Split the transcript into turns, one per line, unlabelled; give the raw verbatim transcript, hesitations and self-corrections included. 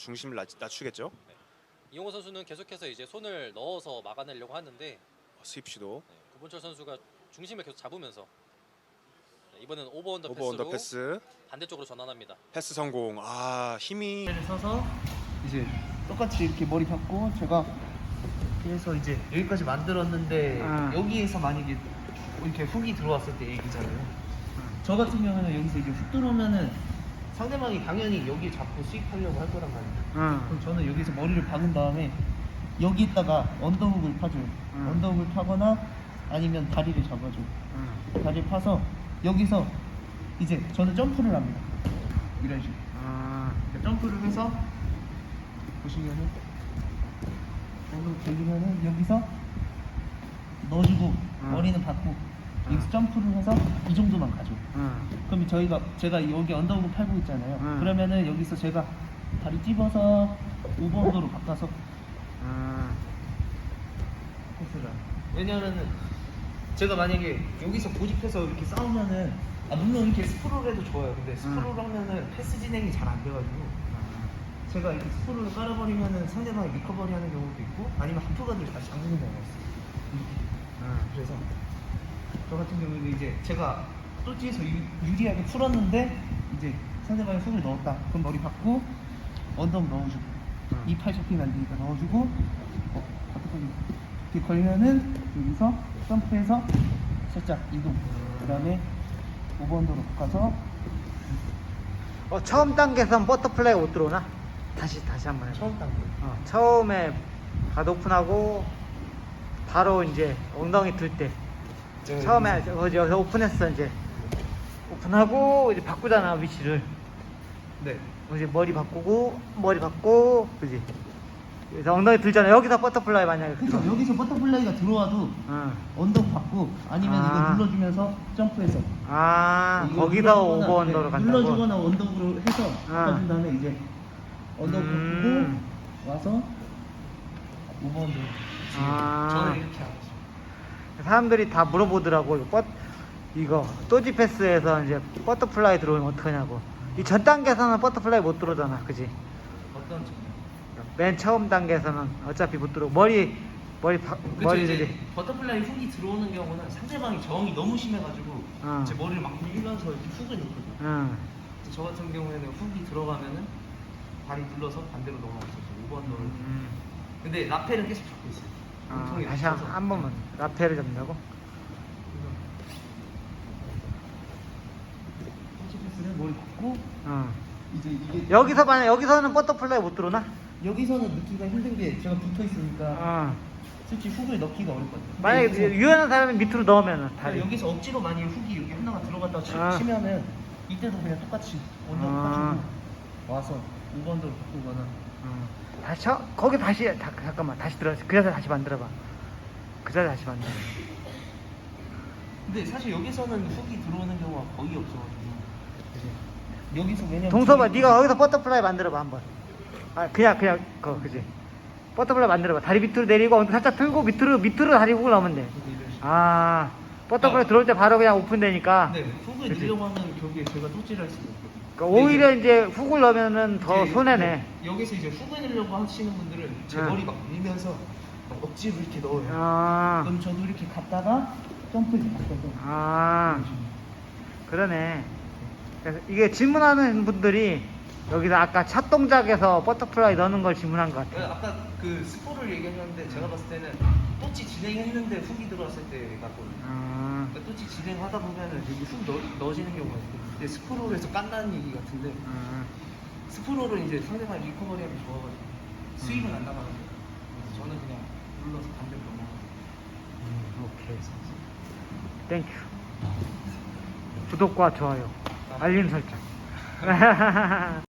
중심을 낮, 낮추겠죠.
네. 이용호 선수는 계속해서 이제 손을 넣어서 막아내려고 하는데
스윕 시도.
네, 구본철 선수가 중심을 계속 잡으면서 네, 이번엔 오버 언더
오버
패스로
언더 패스.
반대쪽으로 전환합니다.
패스 성공. 아 힘이.
를 서서 이제 똑같이 이렇게 머리 박고 제가 그래서 이제 여기까지 만들었는데
아.
여기에서 만약에 이렇게 훅이 들어왔을 때 얘기잖아요. 저 같은 경우는 여기서 이게 훅 들어오면은 상대방이 당연히 여기 잡고 스윕하려고 할 거란 말이에요.
응.
그럼 저는 여기서 머리를 박은 다음에 여기다가 언더훅을 파줘요.
음.
언더훅을 파거나 아니면 다리를 잡아줘요.
응.
다리를 파서 여기서 이제 저는 점프를 합니다. 이런 식으로.
아.
그러니까 점프를 해서 보시면은 여기 들리면은 여기서 넣어주고
음.
머리는 받고 여기서 점프를 해서 이 정도만 가죠.
응.
그럼 저희가 제가 여기 언더우드 팔고 있잖아요.
음.
그러면은 여기서 제가 다리 찝어서 오버언더로 바꿔서
응.
패스를 해요. 왜냐면은 제가 만약에 여기서 고집해서 이렇게 싸우면은 아 물론 이렇게 스프롤 해도 좋아요. 근데 스프롤 하면은 패스 진행이 잘 안 돼가지고 제가 이렇게 스프롤을 깔아버리면은 상대방이 리커버리 하는 경우도 있고 아니면 하프가드를 다시 잠그는 경우가 있어요.
응.
그래서 저 같은 경우는 이제 제가 또 뒤에서 유, 유리하게 풀었는데 이제 상대방이 훅을 넣었다. 그럼 머리 받고 언덕 넣어주고
음.
이 팔 잡히면 안 되니까 넣어주고 어, 어떻게 이렇게 걸면은 여기서 점프해서 살짝 이동. 그 다음에 오버언더로 바꿔서
어, 처음 단계에선 버터플라이가 못 들어오나? 다시 다시 한번 해봐.
처음 단계.
어, 처음에 다 오픈하고 바로 이제 엉덩이 들 때 처음에 어디 여기서 오픈했어 이제 오픈하고 이제 바꾸잖아 위치를.
네.
이제 머리 바꾸고 머리 바꾸고 그지. 그래서 엉덩이 들잖아. 여기서 버터플라이 만약에
그렇죠.
들어.
여기서 버터플라이가 들어와도
응.
언덕 받고 아니면
아.
이거 눌러주면서 점프해서
아
이거
거기서
눌러주거나,
오버 언더로
네,
간다고.
눌러주거나 언덕으로 해서
아.
바꿔준 다음에 이제 언덕
음.
바꾸고 와서 오버 언더.
아.
저는 이렇게 하죠.
사람들이 다 물어보더라고. 이거 뻗 이거 또지 패스에서 이제 버터플라이 들어오면 어떡하냐고. 이 전 단계에서는 버터플라이 못 들어오잖아, 그지?
어떤 점?
맨 처음 단계에서는 어차피 못 들어오고 머리 머리 바,
그쵸,
머리를
이제 버터플라이 훅이 들어오는 경우는 상대방이 저항이 너무 심해가지고
어.
제 머리를 막 밀면서 이렇게 훅을 넣거든요.
응.
저 같은 경우에는 훅이 들어가면은 다리 눌러서 반대로 넘어가서 오버 언더를.
음.
근데 라펠은 계속 잡고 있어요.
아,
몸통에
다시 한,
붙여서.
한 번만 라페를 잡는다고?
터치 패스는 머리 받고
응.
이제 이게
여기서 만약 여기서는 버터플라이 못 들어오나?
여기서는 넣기가 힘든 게 제가 붙어 있으니까
어.
솔직히 훅을 넣기가 어렵거든요. 근데
만약에
여기서,
유연한 사람이 밑으로 넣으면은
그러니까
다리.
여기서 억지로 만약에 훅이 여기 하나가 들어갔다 치,
아.
치면은 이때도 그냥 똑같이 언더
아.
파주고 와서 오번더로 바꾸거나.
어. 다시 쳐? 거기 다시 다, 잠깐만 다시 들어. 그 자세 다시 만들어봐. 그 자세 다시 만들어.
근데 사실 여기서는 훅이 들어오는 경우가 거의 없어가지고. 여기서 왜냐면
동서봐,
저기-
네가 거기서 버터플라이 만들어봐 한번. 아 그냥 그냥 거 그지. 버터플라이 만들어봐. 다리 밑으로 내리고 엉덩이 살짝 들고 밑으로 밑으로 다리 훅을 넣으면 돼. 아 버터플라이
아.
들어올 때 바로 그냥 오픈되니까.
네, 훅을
그치?
넣으려고 하면 결국에 제가 톱질할 수가 없거든요.
그러니까 오히려 이제 훅을 넣으면은 더
이제
손해네.
여- 여기서 이제 훅을 넣으려고 하시는 분들은 제
응.
머리 막 밀면서 막 억지로 이렇게 넣어요.
아,
그럼 저도 이렇게 갔다가 점프 이렇게 바꿔서.
아 그러네. 그래서 이게 질문하는 분들이 여기서 아까 첫 동작에서 버터플라이 넣는 걸 질문한 것
네,
같아.
아까 그 스포를 얘기하셨는데 제가 봤을 때는 또치 진행했는데 훅이 들어왔을 때 같거든요.
아,
그러니까 또치 진행하다 보면은 여기 훅 넣, 넣어지는 경우가 있고 근데 스포롤에서 깐다는 얘기 같은데
아,
스포롤은 이제 상대방이 리커버리하기 좋아가지고 수입은 안 나가는데 그래서 저는 그냥 눌러서 반대로 넘어가요.
음, 오케이. 땡큐. 구독과 좋아요, 알림 설정.